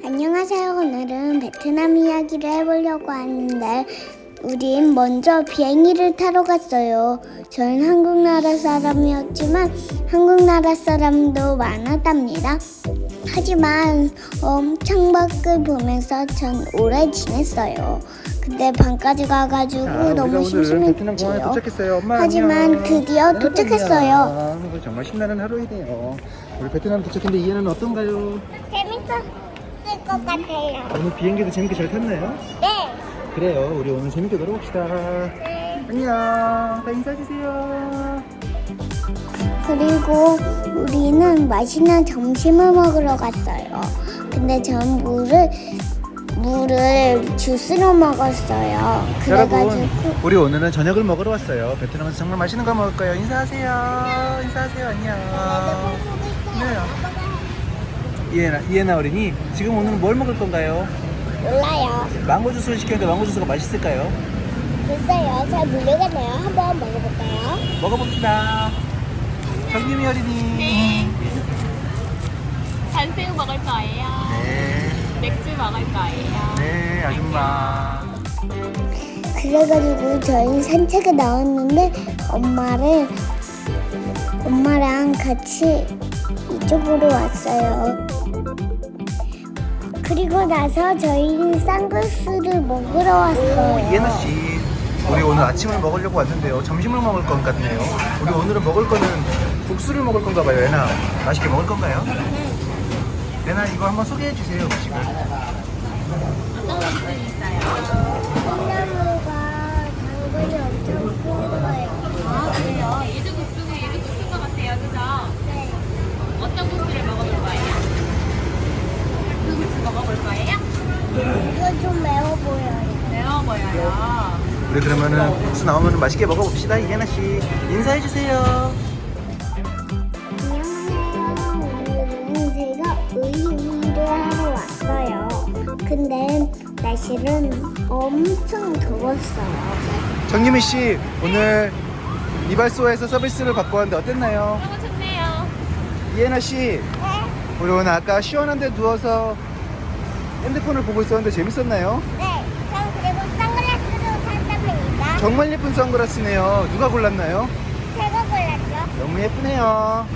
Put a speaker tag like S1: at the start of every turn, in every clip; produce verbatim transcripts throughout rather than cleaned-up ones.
S1: 안녕하세요. 오늘은 베트남 이야기를 해보려고 하는데 우린 먼저 비행기를 타러 갔어요. 저는 한국 나라 사람이었지만 한국 나라 사람도 많았답니다. 하지만 엄청 밖을 보면서 전 오래 지냈어요. 근데 방까지 가가지고
S2: 자,
S1: 너무
S2: 베트남 공항에
S1: 심심했지요.
S2: 도착했어요. 엄마
S1: 하지만
S2: 안녕.
S1: 드디어
S2: 네,
S1: 도착했어요.
S2: 안녕. 오늘 정말 신나는 하루이네요. 우리 베트남 도착했는데 이해는 어떤가요?
S1: 재밌었을 것 같아요.
S2: 오늘 비행기도 재밌게 잘 탔나요?
S1: 네.
S2: 그래요. 우리 오늘 재밌게 놀아봅시다.
S1: 네.
S2: 안녕. 다 인사해주세요.
S1: 그리고 우리는 맛있는 점심을 먹으러 갔어요. 근데 전 물을 물을 주스로 먹었어요. 그래가지고
S2: 여러분, 우리 오늘은 저녁을 먹으러 왔어요. 베트남에서 정말 맛있는 거 먹을 거예요. 인사하세요. 인사하세요. 안녕. 네. 이해나, 이해나 어린이, 지금 오늘은 뭘 먹을 건가요?
S1: 몰라요.
S2: 망고 주스를 시켰는데 망고 주스가 맛있을까요?
S1: 글쎄요. 잘 모르겠네요. 한번 먹어볼까요?
S2: 먹어봅시다. 정유미 어린이.
S3: 네. 잔새우 먹을 거예요.
S2: 네.
S3: 맥주 먹을 거예요.
S2: 네, 아줌마.
S1: 그래가지고 저희 산책에 나왔는데 엄마를 엄마랑 같이 이쪽으로 왔어요. 그리고 나서 저희는 쌍글스를 먹으러 왔어요.
S2: 이해나 씨, 우리 오늘 아침을 먹으려고 왔는데요. 점심을 먹을 것 같네요. 우리 오늘은 먹을 거는 국수를 먹을 건가 봐요. 예나, 맛있게 먹을 건가요? 예나, 이거 한번 소개해 주세요, 음식을.
S3: 어떤 음식이 있어요?
S1: 콩나물과 당근이 엄청 큰 거예요.
S3: 아, 그래요? 얘도 국수고 얘도 국수인 것 같아요. 그죠?
S1: 네.
S3: 어떤 국수를 먹어볼 거예요? 그 국수 먹어볼 거예요?
S1: 이거 좀 매워 보여요.
S3: 매워 보여요.
S2: 우리 그러면은 국수 나오면 맛있게 먹어봅시다. 이해나 씨, 인사해 주세요.
S1: 안녕하세요. 오늘은 제가 의류를 하러 왔어요. 근데 날씨는 엄청 더웠어요.
S2: 정유미 씨, 오늘 이발소에서 서비스를 받고 왔는데 어땠나요?
S3: 너무 좋네요.
S2: 이해나 씨,
S1: 네?
S2: 우리 오늘 아까 시원한 데 누워서 핸드폰을 보고 있었는데 재밌었나요?
S1: 네. 전 그리고 선글라스도 샀답니다.
S2: 정말 예쁜 선글라스네요. 누가 골랐나요?
S1: 제가 골랐죠.
S2: 너무 예쁘네요.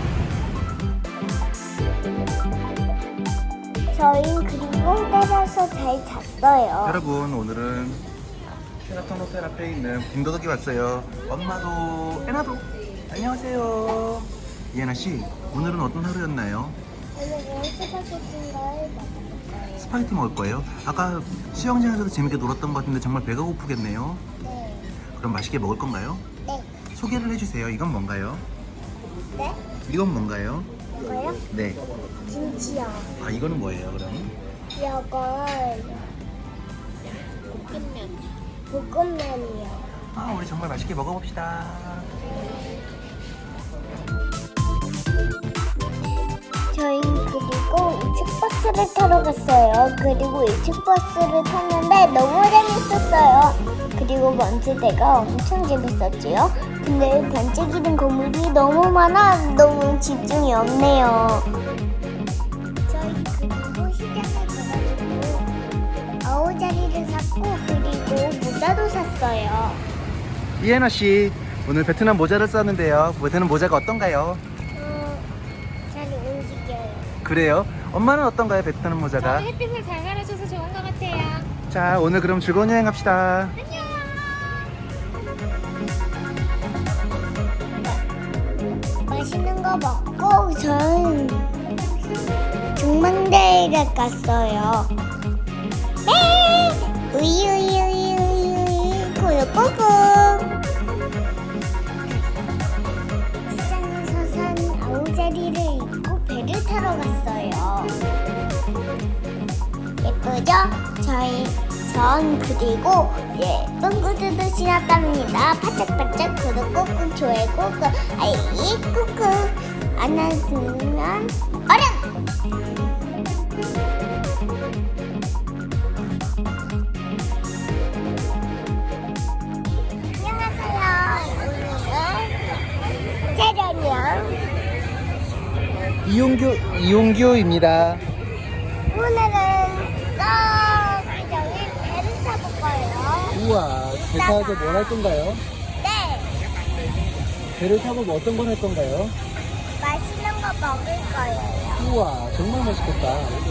S1: 저희 그리고 때려서 잘 잤어요.
S2: 여러분, 오늘은 쉐라톤 호텔 앞에 있는 빈도덕이 왔어요. 엄마도 애나도 안녕하세요. 이해나 씨, 오늘은 어떤 하루였나요?
S1: 오늘은 스파게티를 먹어볼까요?
S2: 스파게티 먹을 거예요. 아까 수영장에서도 재밌게 놀았던 것 같은데 정말 배가 고프겠네요.
S1: 네.
S2: 그럼 맛있게 먹을 건가요?
S1: 네.
S2: 소개를 해주세요. 이건 뭔가요?
S1: 네?
S2: 이건 뭔가요?
S1: 이거요?
S2: 네.
S1: 김치요.
S2: 아, 이거는 뭐예요, 그럼?
S1: 이건
S3: 볶음면.
S1: 볶음면이요.
S2: 아, 우리 정말 맛있게 먹어봅시다.
S1: 저희 그리고 이층 버스를 타러 갔어요. 그리고 이층 버스를 탔는데 너무 재밌었어요. 그리고 먼지대가 엄청 재밌었지요. 근데 반짝이는 건물이 너무 많아 너무 집중이 없네요. 저희 그리고 시장에 가가지고 아우자리를 샀고 그리고 모자도 샀어요.
S2: 이해나 씨, 오늘 베트남 모자를 썼는데요. 베트남 모자가 어떤가요?
S1: 어, 잘 움직여요.
S2: 그래요? 엄마는 어떤가요, 베트남 모자가?
S3: 저는 햇빛을 잘 가려줘서 좋은 것 같아요.
S2: 자, 오늘 그럼 즐거운 여행 합시다.
S3: 안녕.
S1: 맛있는 거 먹고 전 중망대에 갔어요. 네! 우유 우유 우유 우유 우유 꿀꿀꿀. 시장에서 산 아우자리를 입고 배를 타러 갔어요. 예쁘죠? 저희 전 그리고 예쁜 구두도 신었답니다. 바짝바짝 구독 꾹꾹 좋아요 꾹꾹 알림 꾹꾹 안 하시면 어른! 안녕하세요. 오늘은 재련이요.
S2: 이용규, 이용규입니다.
S1: 오늘은 저기 배를 타볼 거예요.
S2: 우와, 배 타서 뭘 할 건가요?
S1: 네,
S2: 배를 타고 뭐 어떤 걸 할 건가요?
S1: 맛있는 거 먹을 거예요.
S2: 우와, 정말 맛있겠다.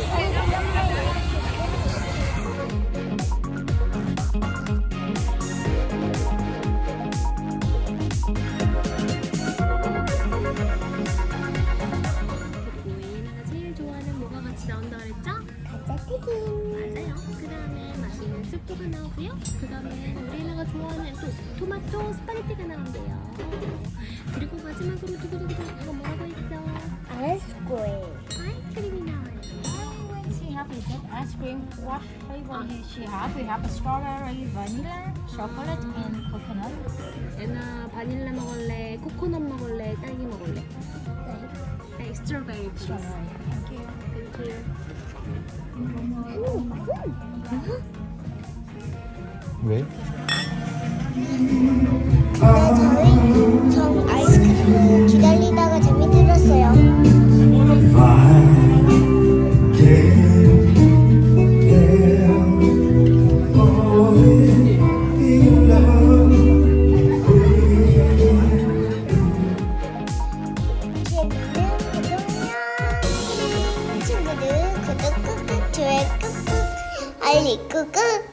S3: 그리고 예나가 제일 좋아하는 뭐가 같이 나온다 그랬죠?
S1: 감자튀김.
S3: 맞아요. 그 다음에 맛있는 스프가 나오고요. 그 다음에 우리 예나가 좋아하는 또 토마토 스파게티가 나온대요. 그리고 마지막으로 두구두구 이거 뭐라고 했죠?
S1: 아이스크림.
S3: 아이스크림이 나와요.
S4: She have is that ice cream. What flavor is she have? We have a strawberry, vanilla, chocolate, and coconut.
S3: 예나 바닐라 먹을래? 코코넛 먹을래? 딸기 먹을래? 네, 스트로베리 플리즈.
S4: Thank you.
S3: 땡큐.
S2: 왜?
S1: 근데 저희 전 아이스크림 기다리다가 재미 들었어요. 친구들 구독 꾹꾹 좋아요 꾹꾹 알림 꾹꾹